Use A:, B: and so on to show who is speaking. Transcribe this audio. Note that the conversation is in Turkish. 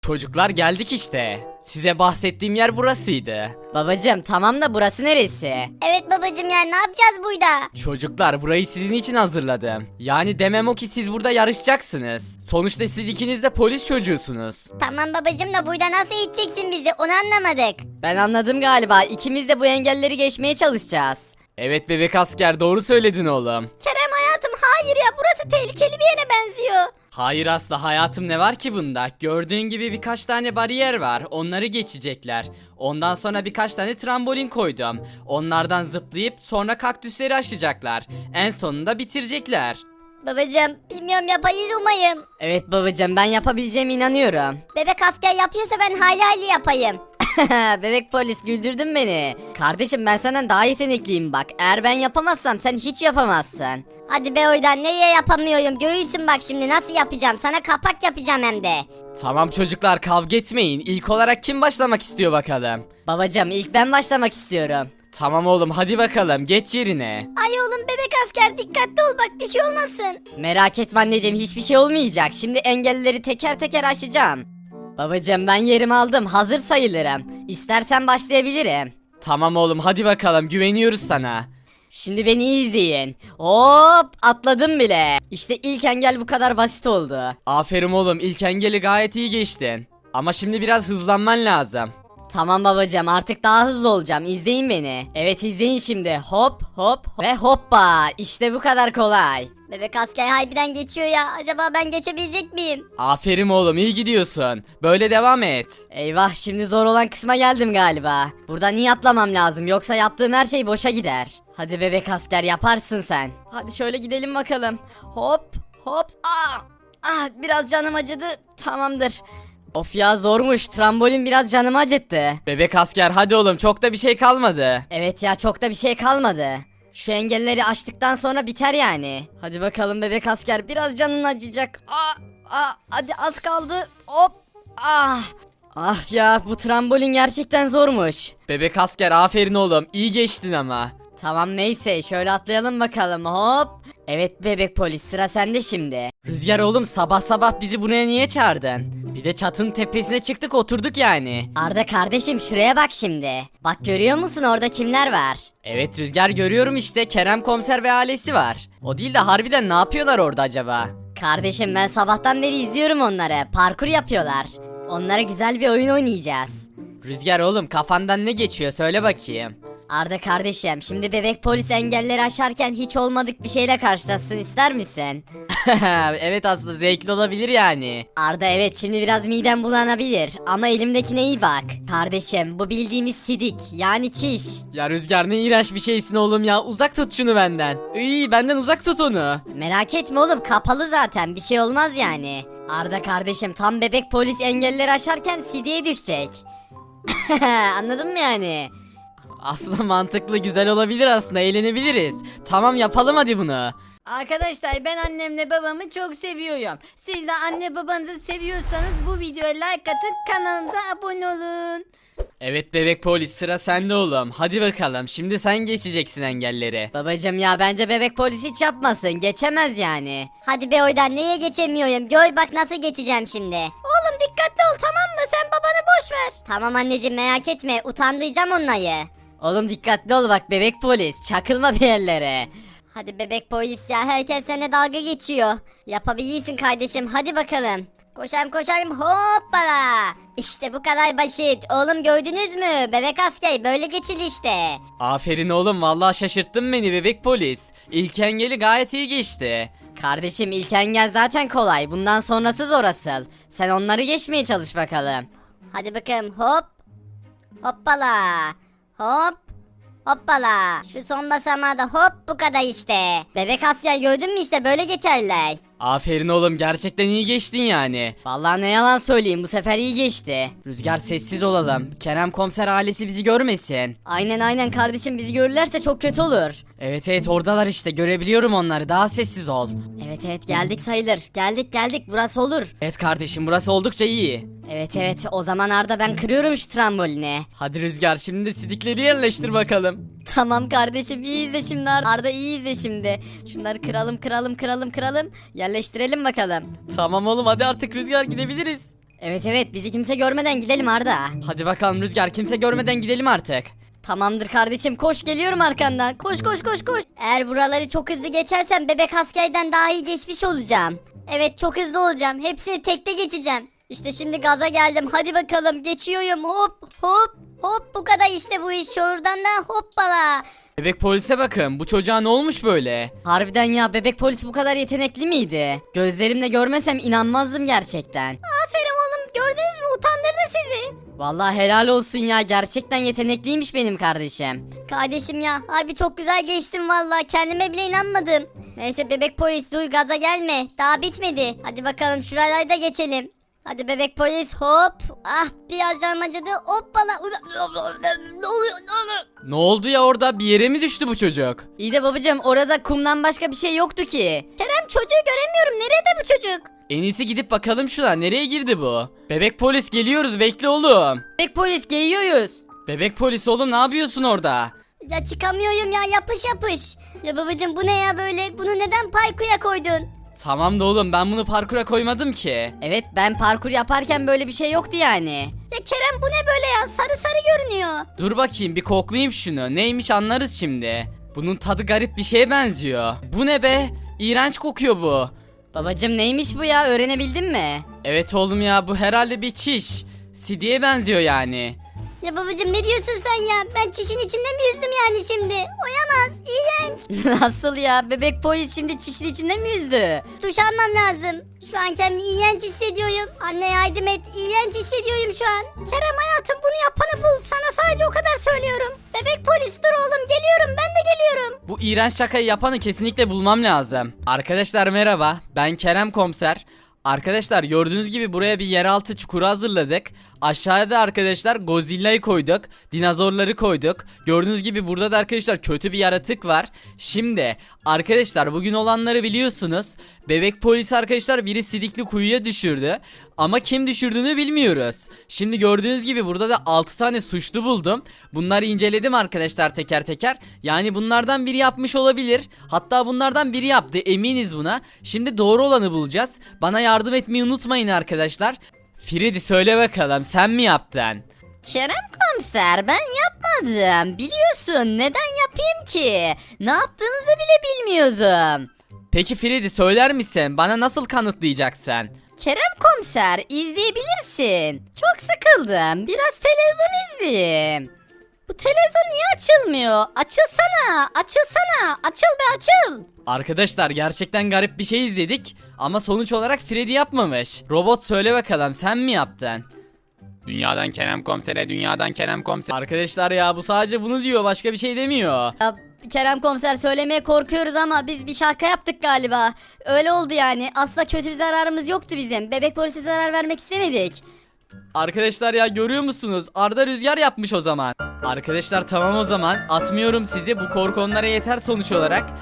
A: Çocuklar geldik işte. Size bahsettiğim yer burasıydı.
B: Babacım tamam da burası neresi?
C: Evet babacım ya ne yapacağız burada?
A: Çocuklar burayı sizin için hazırladım. Yani demem o ki siz burada yarışacaksınız. Sonuçta siz ikiniz de polis çocuğusunuz.
C: Tamam babacım da burada nasıl eğiteceksin bizi onu anlamadık.
B: Ben anladım galiba. İkimiz de bu engelleri geçmeye çalışacağız.
A: Evet bebek asker doğru söyledin oğlum.
C: Kerem hayatım hayır ya burası tehlikeli bir yere benziyor.
A: Hayır asla hayatım ne var ki bunda? Gördüğün gibi birkaç tane bariyer var. Onları geçecekler. Ondan sonra birkaç tane trambolin koydum. Onlardan zıplayıp sonra kaktüsleri aşacaklar. En sonunda bitirecekler.
C: Babacım bilmiyorum yapayız umayım.
B: Evet babacım ben yapabileceğime inanıyorum.
C: Bebek asker yapıyorsa ben hayli yapayım.
B: Bebek polis güldürdün beni. Kardeşim ben senden daha yetenekliyim bak. Eğer ben yapamazsam sen hiç yapamazsın.
C: Hadi be oydan neye yapamıyorum göğüsün bak şimdi nasıl yapacağım sana kapak yapacağım hem de.
A: Tamam çocuklar kavga etmeyin. İlk olarak kim başlamak istiyor bakalım?
B: Babacım ilk ben başlamak istiyorum.
A: Tamam oğlum hadi bakalım geç yerine.
C: Ay oğlum bebek asker dikkatli ol bak bir şey olmasın.
B: Merak etme anneciğim hiçbir şey olmayacak. Şimdi engelleri teker teker aşacağım. Babacım ben yerimi aldım. Hazır sayılırım. İstersen başlayabilirim.
A: Tamam oğlum hadi bakalım güveniyoruz sana.
B: Şimdi beni iyi izleyin. Hop atladım bile. İşte ilk engel bu kadar basit oldu.
A: Aferin oğlum ilk engeli gayet iyi geçtin. Ama şimdi biraz hızlanman lazım.
B: Tamam babacığım artık daha hızlı olacağım. İzleyin beni. Evet izleyin şimdi. Hop hop ve hoppa. İşte bu kadar kolay.
C: Bebek asker harbiden geçiyor ya acaba ben geçebilecek miyim?
A: Aferin oğlum iyi gidiyorsun. Böyle devam et.
B: Eyvah şimdi zor olan kısma geldim galiba. Buradan iyi atlamam lazım yoksa yaptığım her şey boşa gider. Hadi bebek asker yaparsın sen. Hadi şöyle gidelim bakalım. Hop hop. Biraz canım acıdı. Tamamdır. Of ya zormuş. Trambolin biraz canımı acıttı.
A: Bebek asker hadi oğlum çok da bir şey kalmadı.
B: Evet ya çok da bir şey kalmadı. Şu engelleri aştıktan sonra biter yani. Hadi bakalım bebek asker biraz canın acıyacak. Hadi az kaldı. Hop. Ah ya bu trambolin gerçekten zormuş.
A: Bebek asker aferin oğlum iyi geçtin ama.
B: Tamam neyse şöyle atlayalım bakalım hop. Evet bebek polis sıra sende şimdi.
A: Rüzgar oğlum sabah sabah bizi buraya niye çağırdın? Bir de çatının tepesine çıktık oturduk yani.
B: Arda kardeşim şuraya bak şimdi. Bak görüyor musun orada kimler var?
A: Evet Rüzgar görüyorum işte Kerem komiser ve ailesi var. O değil de harbiden ne yapıyorlar orada acaba?
B: Kardeşim ben sabahtan beri izliyorum onları. Parkur yapıyorlar. Onlara güzel bir oyun oynayacağız.
A: Rüzgar oğlum kafandan ne geçiyor söyle bakayım.
B: Arda kardeşim şimdi bebek polis engelleri aşarken hiç olmadık bir şeyle karşılaşsın ister misin?
A: Evet aslında zevkli olabilir yani.
B: Arda evet şimdi biraz midem bulanabilir ama elimdekine iyi bak. Kardeşim bu bildiğimiz sidik yani çiş.
A: Ya Rüzgar ne iğrenç bir şeysin oğlum ya uzak tut şunu benden. İyi benden uzak tut onu.
B: Merak etme oğlum kapalı zaten bir şey olmaz yani. Arda kardeşim tam bebek polis engelleri aşarken sidiğe düşecek. Anladın mı yani?
A: Aslında mantıklı güzel olabilir aslında eğlenebiliriz. Tamam yapalım hadi bunu.
B: Arkadaşlar ben annemle babamı çok seviyorum. Siz de anne babanızı seviyorsanız bu videoya like atın kanalımıza abone olun.
A: Evet bebek polis sıra sende oğlum. Hadi bakalım şimdi sen geçeceksin engelleri.
B: Babacım ya bence bebek polis hiç yapmasın geçemez yani.
C: Hadi be oydan neye geçemiyorum gör bak nasıl geçeceğim şimdi. Oğlum dikkatli ol tamam mı sen babanı boş ver. Tamam anneciğim merak etme utandıracağım onları.
B: Oğlum dikkatli ol bak bebek polis çakılma bir yerlere.
C: Hadi bebek polis ya herkes seninle dalga geçiyor. Yapabilirsin kardeşim hadi bakalım. Koşarım hoppala. İşte bu kadar basit. Oğlum gördünüz mü? Bebek asker böyle geçildi işte.
A: Aferin oğlum vallahi şaşırttın beni bebek polis. İlk engeli gayet iyi geçti.
B: Kardeşim ilk engel zaten kolay bundan sonrası zor asıl. Sen onları geçmeye çalış bakalım.
C: Hadi bakalım hop. Hoppala. Hop. Hoppala. Şu son basamağı da hop bu kadar işte. Bebek asker gördün mü işte böyle geçerler.
A: Aferin oğlum gerçekten iyi geçtin yani.
B: Vallahi ne yalan söyleyeyim bu sefer iyi geçti.
A: Rüzgar sessiz olalım. Kerem komiser ailesi bizi görmesin.
B: Aynen kardeşim bizi görürlerse çok kötü olur.
A: Evet oradalar işte görebiliyorum onları daha sessiz ol.
B: Evet geldik sayılır. Geldik burası olur.
A: Evet kardeşim burası oldukça iyi.
B: Evet o zaman Arda ben kırıyorum şu trambolini.
A: Hadi Rüzgar şimdi de sidikleri yerleştir bakalım.
B: Tamam kardeşim iyi izle şimdi Arda iyi izle şimdi. Şunları kıralım. Yerleştirelim bakalım.
A: Tamam oğlum hadi artık Rüzgar gidebiliriz.
B: Evet evet bizi kimse görmeden gidelim Arda.
A: Hadi bakalım Rüzgar, kimse görmeden gidelim artık.
B: Tamamdır kardeşim koş geliyorum arkandan. Koş koş koş koş.
C: Eğer buraları çok hızlı geçersem bebek askerden daha iyi geçmiş olacağım. Evet çok hızlı olacağım. Hepsini tekte geçeceğim. İşte şimdi gaza geldim. Hadi bakalım geçiyorum. Hop hop hop, bu kadar işte bu iş. Şuradan da hoppala.
A: Bebek polise bakın, bu çocuğa ne olmuş böyle?
B: Harbiden ya bebek polis bu kadar yetenekli miydi? Gözlerimle görmesem inanmazdım gerçekten.
C: Aferin oğlum, gördünüz mü, utandırdı sizi.
B: Vallahi helal olsun ya gerçekten yetenekliymiş benim kardeşim.
C: Kardeşim ya, abi çok güzel geçtim vallahi, kendime bile inanmadım. Neyse bebek polis, duy gaza gelme, daha bitmedi. Hadi bakalım şuraları da geçelim. Hadi bebek polis, hop. Ah, biraz canım acıdı, hoppala. Ne oluyor?
A: Ne oldu ya, orada bir yere mi düştü bu çocuk?
B: İyi de babacığım orada kumdan başka bir şey yoktu ki.
C: Kerem, çocuğu göremiyorum, nerede bu çocuk?
A: En iyisi gidip bakalım şuna, nereye girdi bu? Bebek polis geliyoruz, bekle oğlum.
B: Bebek polis geliyoruz.
A: Bebek polis oğlum, ne yapıyorsun orada?
C: Ya çıkamıyorum ya, yapış yapış. Ya babacım, bu ne ya böyle, bunu neden parkuya koydun?
A: Tamam da oğlum, ben bunu parkura koymadım ki.
B: Evet ben parkur yaparken böyle bir şey yoktu yani.
C: Ya Kerem, bu ne böyle ya, sarı sarı görünüyor.
A: Dur bakayım, bir koklayayım şunu, neymiş anlarız şimdi. Bunun tadı garip bir şeye benziyor. Bu ne be? İğrenç kokuyor bu.
B: Babacığım neymiş bu ya öğrenebildin mi?
A: Evet oğlum ya, bu herhalde bir çiş. Sidiye benziyor yani.
C: Ya babacım, ne diyorsun sen ya? Ben çişin içinde mi yüzdüm yani şimdi? Oyamaz, iğrenç.
B: Nasıl ya bebek polis şimdi çişin içinde mi yüzdü?
C: Duş almam lazım. Şu an kendimi iğrenç hissediyorum. Anne yardım et, iğrenç hissediyorum şu an. Kerem hayatım, bunu yapanı bul. Sana sadece o kadar söylüyorum. Bebek polis, dur oğlum, geliyorum, ben de geliyorum.
A: Bu iğrenç şakayı yapanı kesinlikle bulmam lazım. Arkadaşlar merhaba, ben Kerem Komiser. Arkadaşlar gördüğünüz gibi buraya bir yeraltı çukuru hazırladık. Aşağıda arkadaşlar Godzilla'yı koyduk. Dinozorları koyduk. Gördüğünüz gibi burada da arkadaşlar kötü bir yaratık var. Şimdi arkadaşlar bugün olanları biliyorsunuz. Bebek polis arkadaşlar biri sidikli kuyuya düşürdü. Ama kim düşürdüğünü bilmiyoruz. Şimdi gördüğünüz gibi burada da 6 tane suçlu buldum. Bunları inceledim arkadaşlar teker teker. Yani bunlardan biri yapmış olabilir. Hatta bunlardan biri yaptı, eminiz buna. Şimdi doğru olanı bulacağız. Bana yardım etmeyi unutmayın arkadaşlar. Freddy söyle bakalım, sen mi yaptın?
B: Kerem komiser ben yapmadım. Biliyorsun neden yapayım ki? Ne yaptığınızı bile bilmiyordum.
A: Peki Freddy söyler misin? Bana nasıl kanıtlayacaksın?
B: Kerem komiser izleyebilirsin. Çok sıkıldım. Biraz televizyon izleyeyim. Bu televizyon niye açılmıyor? Açılsana, açılsana, açıl be açıl.
A: Arkadaşlar gerçekten garip bir şey izledik ama sonuç olarak Freddy yapmamış. Robot söyle bakalım, sen mi yaptın?
D: Dünyadan Kerem Komiser'e, dünyadan Kerem Komiser.
A: Arkadaşlar ya bu sadece bunu diyor, başka bir şey demiyor.
B: Ya, Kerem komiser söylemeye korkuyoruz ama biz bir şaka yaptık galiba. Öyle oldu yani. Aslında kötü bir zararımız yoktu bizim. Bebek polise zarar vermek istemedik.
A: Arkadaşlar ya görüyor musunuz? Arda rüzgar yapmış o zaman. Arkadaşlar tamam o zaman, atmıyorum sizi, bu korku onlara yeter sonuç olarak.